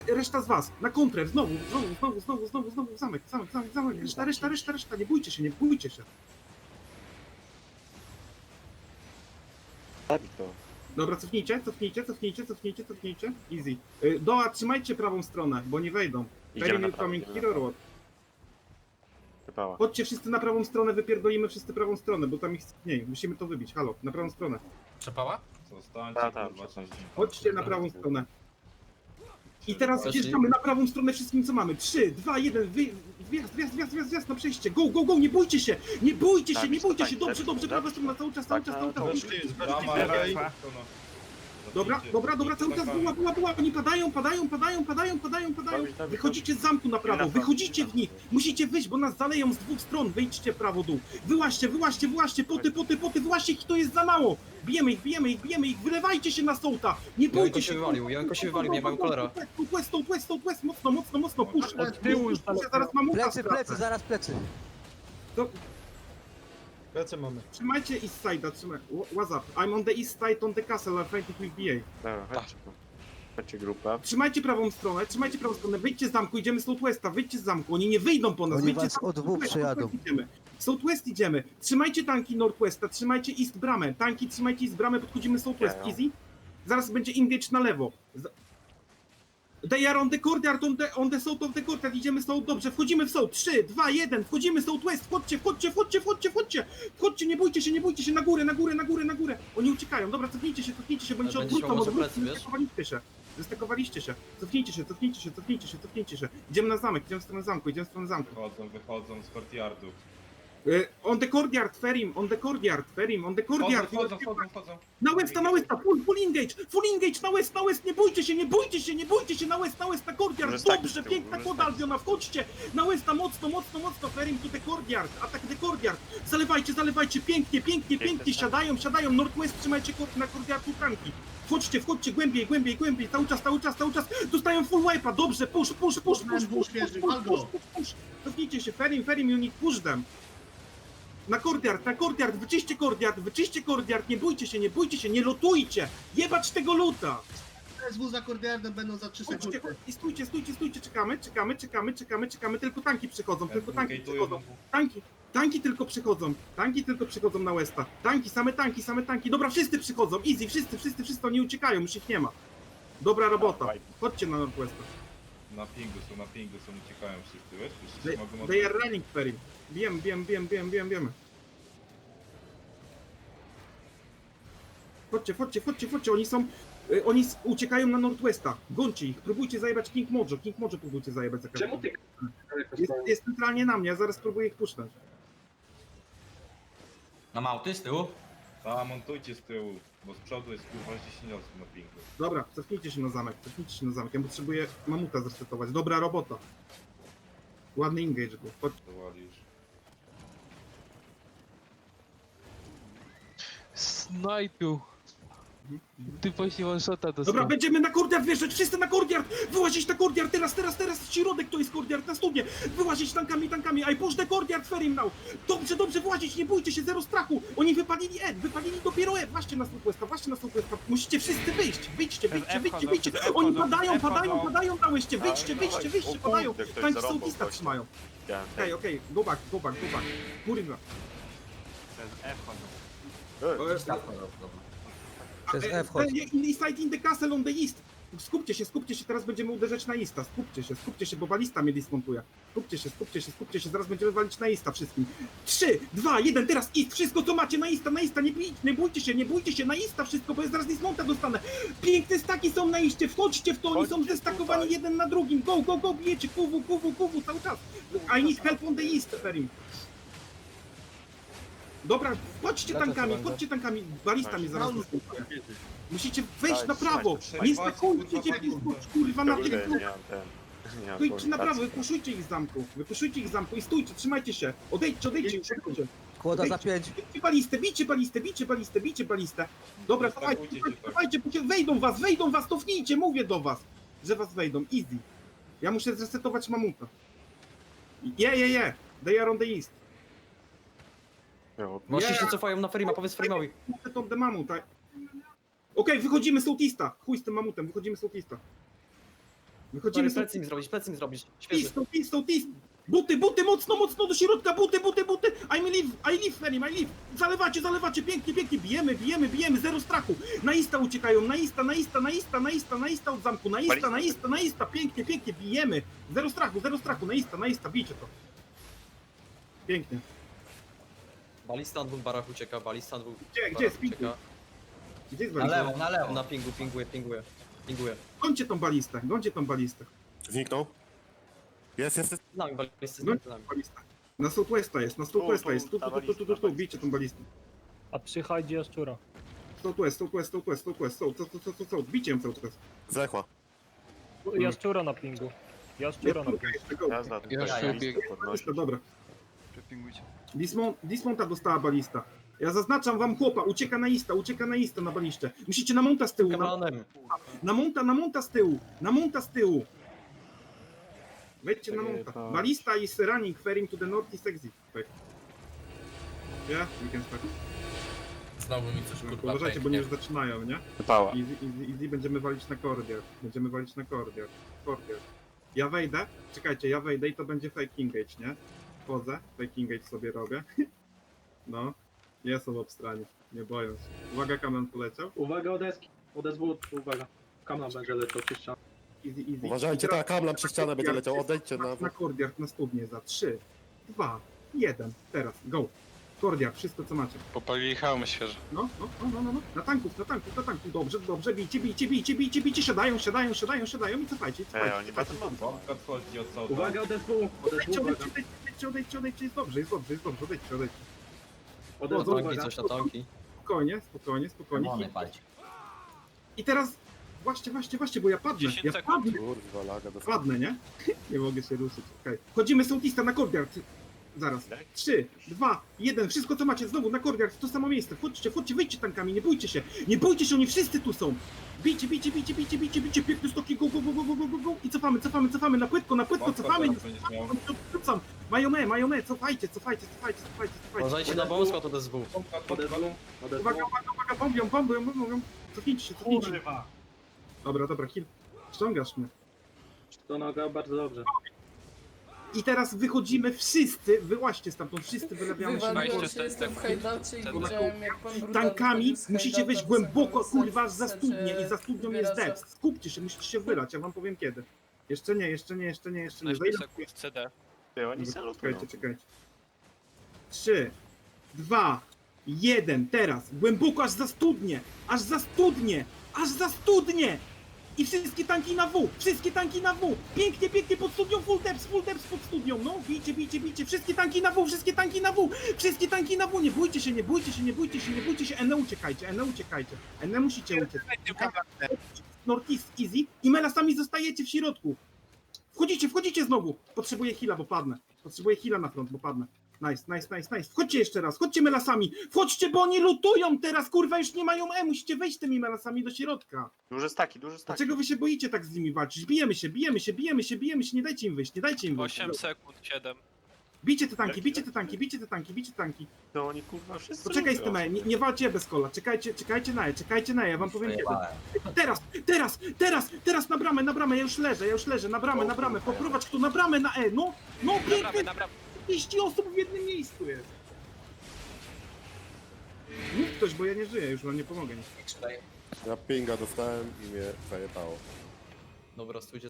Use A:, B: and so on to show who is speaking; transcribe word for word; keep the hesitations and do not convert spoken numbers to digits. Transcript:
A: Reszta z was, na kontrę, znowu, znowu, znowu, znowu, znowu, znowu, zamek, zamek, zamek, zamek, reszta, reszta, reszta, reszta, nie bójcie się, nie bójcie się.
B: Zabij to.
A: Dobra, cofnijcie, cofnijcie, cofnijcie, cofnijcie, cofnijcie, easy. Y, Doa, trzymajcie prawą stronę, bo nie wejdą.
B: Idziemy na
A: Very
B: prawo,
A: coming
B: idziemy na
A: hero
B: prawo.
A: road.
B: Wypała.
A: Chodźcie wszyscy na prawą stronę, wypierdolimy wszyscy prawą stronę, bo tam ich mniej, musimy to wybić, halo, na prawą stronę.
C: Przepała?
D: Zostańcie,
B: Ta, ta,
D: kurwa,
B: przepraszam.
D: części.
A: Chodźcie na prawą stronę. I teraz
C: Weszli.
A: wjeżdżamy na prawą stronę wszystkim co mamy. trzy, dwa, jeden, wy... wjazd, wjazd, wjazd, wjazd, wjazd na przejście. Go, go, go, nie bójcie się! Nie bójcie się,
B: Tak,
A: nie bójcie
B: tak,
A: się! Dobrze,
B: tak,
A: dobrze,
B: tak.
A: prawa strona, cały czas, cały czas, cały czas.
D: Weszli, Brama,
A: Okej.
D: okay.
A: Dobra, dobra, dobra, cały czas była, była, była, oni padają, padają, padają, padają, padają, padają.
B: Dawid, Dawid,
A: Wychodzicie z zamku na prawo,
B: Dawid.
A: wychodzicie w nich, musicie wyjść, bo nas zaleją z dwóch stron, wyjdźcie prawo, dół. Wyłaźcie, wyłaźcie, wyłaźcie, poty, poty, poty, wyłaźcie ich, to jest za mało. Bijemy ich, bijemy ich, bijemy ich, wylewajcie się na sołta, nie bójcie
E: Janko
A: się.
E: się wywalił, Janko się wywalił, nie mam kolera.
A: West, west, west, west, mocno, mocno, mocno, push.
F: Od tyłu już
A: Push, zaraz mam ucha
F: Plecy, plecy, zaraz plecy.
A: To,
F: Plecy mamy.
A: trzymajcie east side'a, trzymaj. What's up? I'm on the east side on the castle, I'm fighting with B A.
B: Dobra, chodźcie tu. Chodźcie grupę.
A: Trzymajcie prawą stronę, trzymajcie prawą stronę, wyjdźcie z zamku, idziemy z Southwesta, wyjdźcie z zamku, oni nie wyjdą po nas,
F: Oni
A: wyjdźcie
F: was
A: z zamku,
F: od dwóch
A: Southwest,
F: przejadą.
A: Southwest idziemy. Southwest idziemy, trzymajcie tanki Northwesta, trzymajcie East bramę, tanki trzymajcie East bramę, podchodzimy Southwest,
B: Jają.
A: easy. Zaraz będzie engage na lewo. Z- They are on the courtyard, on the, on the south of the courtyard, idziemy south, dobrze, wchodzimy w south, trzy, dwa, jeden, wchodzimy Southwest, wchodźcie, wchodźcie, wchodźcie, wchodźcie, wchodźcie, wchodźcie, nie bójcie się, nie bójcie się, na górę, na górę, na górę, na górę, oni uciekają, dobra, cofnijcie się, cofnijcie się, bo oni się
E: Ale będziesz
A: odwrócą,
E: miał może
A: odwrócą,
E: plecy, wiesz?
A: zestakowaliście się, zestakowaliście się, cofnijcie się, cofnijcie się, cofnijcie się, cofnijcie się, idziemy na zamek, idziemy w stronę zamku, idziemy w stronę zamku.
D: Wychodzą, wychodzą z courtyardu.
A: Y, on the courtyard, Ferim, on the courtyard, Ferim, on the
D: Wchodzą,
A: courtyard,
D: wchodzą, wchodzą, wchodzą.
A: na westa, na westa, full, full engage, full engage, na west, na west, nie bójcie się, nie bójcie się, nie bójcie się, na west, na west, na courtyard,
B: Może tak
A: dobrze,
B: z tyłu,
A: piękna
B: może
A: koda
B: tak.
A: Albiona, wchodźcie, na westa, mocno, mocno, mocno, Ferim to the courtyard, atak the courtyard, zalewajcie, zalewajcie, pięknie, pięknie, pięknie, siadają, siadają, Northwest, trzymajcie kort na courtyardu tanki, wchodźcie, wchodźcie, głębiej, głębiej, głębiej, cały czas, cały czas, cały czas, dostają full wipe'a, dobrze, push, push, push, push, push, push, push, push, push, push, push, cofnijcie się, Ferim, Ferim, you need push them. Na courtyard, na courtyard, wyczyście courtyard, wyczyście courtyard, nie bójcie się, nie bójcie się, nie lotujcie! Jebać tego luta!
G: S W za kordiardem będą za trzy
A: Chodźcie,
G: sekundy.
A: i stójcie, stójcie, stójcie, czekamy, czekamy, czekamy, czekamy, czekamy, tylko tanki przychodzą, tylko tanki
D: Gate'ują
A: przychodzą,
D: wokół.
A: tanki, tanki tylko przychodzą, tanki tylko przychodzą na Westa, tanki, same tanki, same tanki, dobra, wszyscy przychodzą, easy, wszyscy, wszyscy, wszyscy, oni uciekają, już ich nie ma. Dobra robota, chodźcie na Northwesta.
D: Na pingu są, na pingu są, uciekają wszyscy, wiesz? Wszyscy
A: They,
D: się mogą
A: they are running, Ferry. Wiem, wiem, wiem, wiem, wiem, wiemy. Chodźcie, chodźcie, chodźcie, chodźcie, oni są... y, Oni s- uciekają na Northwesta. Gońcie ich, próbujcie zajebać King Mojo. King Mojo próbujcie zajebać za każdym.
H: Czemu ty?
A: Jest, jest centralnie na mnie, ja zaraz próbuję ich puszczać.
C: Na małty z tyłu?
D: A, montujcie z tyłu, bo z przodu jest kurwa dziesięć osób na pingu.
A: Dobra, cofnijcie się na zamek, cofnijcie się na zamek. Ja potrzebuję mamuta zresetować. Dobra robota. Ładny engage był. Chodź.
D: To walisz.
I: Snajpił. Ty właśnie one shota dostał.
A: Dobra, będziemy na courtyard wjeżdżać, wszyscy na courtyard! Wyłazić na courtyard, teraz, teraz, teraz, środek to jest courtyard, na studnie! Wyłazić tankami, tankami, I push the courtyard, Ferim now! Dobrze, dobrze, wyłazić, nie bójcie się, zero strachu! Oni wypalili E, wypalili dopiero E, właśnie na Southwesta, właśnie na Southwesta, musicie wszyscy wyjść, wyjdźcie, wyjdźcie, wyjdźcie, wyjdźcie! Oni padają, padają, padają na łeście, wyjdźcie, wyjdźcie, wyjdźcie, padają! Tanki Southwesta trzymają. Okej, okej, go back, go back, go back. Kurwa.
F: Przez
A: E,
F: F chodzi.
A: e, in- Inside in the castle on the east. Skupcie się, skupcie się, teraz będziemy uderzać na Easta. Skupcie się, skupcie się, bo balista mnie dismontuje. Skupcie się, skupcie się, skupcie się, zaraz będziemy walić na Easta wszystkim. trzy, dwa, jeden, teraz East, wszystko co macie na Easta, na Easta, nie, bij- nie bójcie się, nie bójcie się, na Easta wszystko, bo ja zaraz dismonta dostanę. Piękne staki są na Eastie, wchodźcie w to, oni są
B: Chodźcie
A: zestakowani
B: tutaj.
A: jeden na drugim. Go, go, go, bijecie, kuwu, kuwu, kuwu, cały czas. I need help on the East, Ferim. Dobra, chodźcie
F: Lecę
A: tankami,
F: sobie,
A: chodźcie tankami, balista mnie zaraz
G: Paulus,
A: dismontuje. Musicie wejść
B: Daj,
A: na prawo!
B: trzymaj,
A: Nie
D: trzymaj.
A: stakujcie się
D: Kurwa,
A: kurwa na
B: Kurde,
A: tym!
B: nie mam ten. Nie mam
A: Stójcie na prawo,
B: komunikacji.
A: wypuszujcie ich z zamku! Wypuszujcie ich z zamku i stójcie, trzymajcie się! Odejdźcie, odejdźcie, odejdźcie!
F: Kłoda za pięć.
A: Bijcie balistę, bijcie balistę, bijcie balistę, bijcie balistę! Dobra,
D: Zastakujcie
A: dawajcie,
D: się
A: dawajcie,
D: tak.
A: dawajcie, bo się wejdą was, wejdą was, cofnijcie, mówię do was! Że was wejdą, easy! Ja muszę zresetować mamuta. Je, je, je! They are on the east.
B: Jo,
E: Właśnie się cofają na Ferima, powiedz Ferimowi.
A: Muszę tą the mamut, tak? Okej, wychodzimy z Southeasta! Chuj z tym mamutem, wychodzimy z Southeasta. Wychodzimy
E: Stary,
A: z
E: plecy mi zrobić, plecy mi zrobić. Świeży.
A: Tistą, tistą, tistą. Buty, buty, mocno, mocno do środka, buty, buty, buty. I'm live, I live, Ferim, I live. Zalewacie, zalewacie, pięknie, pięknie, bijemy, bijemy, bijemy, zero strachu. Na ista uciekają, na ista, na ista, na ista, na ista, na ista od zamku, na ista, na ista, na ista, pięknie, pięknie, bijemy. Zero strachu, zero strachu, na ista, na ista, bijcie to. Pięknie.
E: Balista na dwóch barach ucieka, balista na dwóch
A: Gdzie, gdzie
E: barach
A: jest pingu?
E: ucieka.
A: Gdzie jest
C: Na
A: balista?
C: lewo, na lewo.
E: Na pingu, pinguje, pinguje. Pinguje.
A: Gońcie tą balistę, gońcie tą balistę.
H: Zniknął. Jest, jest, jest.
E: Z nami balisty, z
A: Gońcie
E: nami.
A: tą balistę. Na Southwesta jest, na Southwesta jest. Tu, tu, tu, tu, tu, tu, tu, bijcie tą balistę.
J: A przychodzi jaszczura.
A: Southwest, Southwest, Southwest, Southwest, South, South, South, South, South, bijcie ją cały czas.
H: Zechła.
J: Jaszczura na pingu. Jaszczura na
A: Jest,
J: pingu.
A: jeszcze go.
B: Jazda, tutaj
I: Ja
B: listę
I: sobie-
B: podnosić.
A: Balista, dobra.
I: Przepingujcie.
A: Dismount, Dismounta dostała balista. Ja zaznaczam wam chłopa, ucieka na ista, ucieka na ista na baliście. Musicie na monta z tyłu, na,
E: Kamanem.
A: na monta, na monta z tyłu, na monta z tyłu. Wejdźcie na
B: Czekaj,
A: monta.
B: to-
A: Balista is running, ferring to the northeast exit. Tak. Yeah, we can start.
C: Znowu mi coś kurwa
A: Uważajcie, bo
C: pęknie.
A: nie już zaczynają, nie?
B: Wypała.
A: Easy, easy, easy, będziemy walić na kordier. Będziemy walić na kordier. Kordier. Ja wejdę, czekajcie, ja wejdę i to będzie fake engage, nie? Wchodzę, fake engage sobie robię. No, nie są obstrani, nie boją się. Uwaga, kamen poleciał.
J: Uwaga od deski. Od S W, uwaga. Kamla będzie leciał przez ścianę.
A: Easy, easy.
H: Uważajcie,
A: I teraz-
H: tak, kamlam przez ścianę będzie leciał. Odejdźcie na...
A: Na kordiar, na studnię za trzy, dwa, jeden. Teraz, go. Kordiar, wszystko co macie.
I: Popalili hełmy świeże.
A: No, no, no, no, no, no. Na tanków, na tanków, na tanków. Dobrze, dobrze, bijcie, bijcie, bijcie, bijcie, bijcie. Siadają, siadają, siadają, siadają i cofajcie,
B: Ej,
A: cofajcie.
B: oni będą mam.
D: Bombka odchodzi od sołta.
J: Uwaga od S W, od S
A: Odejdźcie,
J: W, uwaga.
A: odejdźcie, odejdźcie, odejdźcie, odejdźcie, jest dobrze, jest dobrze, jest dobrze, odejdźcie, odejdźcie.
J: Od S W,
E: Tanki,
J: uwaga.
E: coś na tanki.
A: Spokojnie, spokojnie, spokojnie.
C: Demony palcie.
A: I teraz, właśnie, właśnie, właśnie, bo ja padnę,
I: dziesięć
A: ja
I: sekund.
A: padnę,
H: Kurwa, laga dostała.
A: padnę, nie? Nie mogę się ruszyć, okej. Chodzimy sołtista na kordiar. Zaraz. Trzy, dwa, jeden, wszystko co macie znowu na kordiar, w to samo miejsce. Wchodźcie, wchodźcie, wyjdźcie tankami, nie bójcie się. Nie bójcie się, oni wszyscy tu są. Bijcie, bijcie, bijcie, bijcie, bijcie, bijcie, piękne stoki, go, go, go, go, go, go, go, go. I cofamy, cofamy, cofamy, na płytko, na płytko,
D: Bombka
A: cofamy.
D: teraz będziesz miał.
A: Rzucam. Mają me, mają me, cofajcie, cofajcie, cofajcie, cofajcie, cofajcie.
E: Uważajcie na wąsko od S W.
D: Bombka
J: Od S
D: odchodzi.
J: W, od S
A: Uwaga,
J: W.
A: uwaga, uwaga, bombią, bombią, bombią. Cofnijcie się, cofnijcie się.
G: Kurwa.
A: Dobra, dobra, kill. Ściągasz mnie.
J: To noga bardzo dobrze.
A: I teraz wychodzimy wszyscy, wyłaźcie stamtąd, wszyscy wylewiamy się na
I: Wejście
K: Wywaliło
I: z
K: się,
I: tej
K: jestem w
I: strefy.
K: hajdacie i
I: Ten-
K: widziałem jak pan Brutal
A: tankami
K: wychodził z
A: musicie wejść
K: hajdata,
A: głęboko,
K: wysoko
A: kurwa, za
K: wysać,
A: studnię i za
K: e,
A: studnią jest
K: zbieracza.
A: depth. Skupcie się, musicie się wylać, ja wam powiem kiedy. Jeszcze nie, jeszcze nie, jeszcze nie, jeszcze nie.
I: szesnaście
A: Zajdę.
I: sekund C D.
B: Ty, oni salutują.
A: Czekajcie, czekajcie. Trzy, dwa, jeden, teraz. Głęboko, aż za studnię, aż za studnię, aż za studnię! I wszystkie tanki na W, wszystkie tanki na W. Pięknie, pięknie pod studnią, full depth, full depth pod studnią. No, bijcie, bijcie, bijcie. Wszystkie tanki na W, wszystkie tanki na W. Wszystkie tanki na W. Nie bójcie się, nie bójcie się, nie bójcie się, nie bójcie się. Ene uciekajcie, Ene uciekajcie. Ene musicie uciec. Northeast easy i melasami zostajecie w środku. Wchodzicie, wchodzicie znowu. Potrzebuję heala, bo padnę. Potrzebuję heala na front, bo padnę. Nice, nice, nice, nice. Wchodźcie jeszcze raz, chodźcie melasami. Wchodźcie, bo oni lutują teraz, kurwa, już nie mają E. Musicie wejść tymi melasami do środka.
B: Duże staki, duże staki.
A: Dlaczego wy się boicie tak z nimi walczyć? Bijemy się, bijemy się, bijemy się, bijemy się, nie dajcie im wyjść, nie dajcie im wyjść.
I: osiem sekund, siedem.
A: Bijcie te tanki, bijcie te tanki, bijcie te tanki, bijcie te tanki.
B: To oni kurwa wszyscy
A: Poczekaj z
B: lubią.
A: tym E, nie, nie walcie bez kola, czekajcie, czekajcie na E, czekajcie na E, ja wam powiem kiedy.
C: Przejebałem.
A: Teraz, teraz, teraz, teraz na bramę, na bramę, ja już leżę, ja już leżę, na bramę, na bramę, poprowadź kto na bramę na E, no, no
I: Naprawdę,
A: pięknie,
I: naprawdę.
A: trzydzieści osób w jednym miejscu jest. Mów ktoś, bo ja nie żyję, już wam nie pomogę.
H: Ja pinga dostałem i mnie zajebało.
E: Dobra, stójcie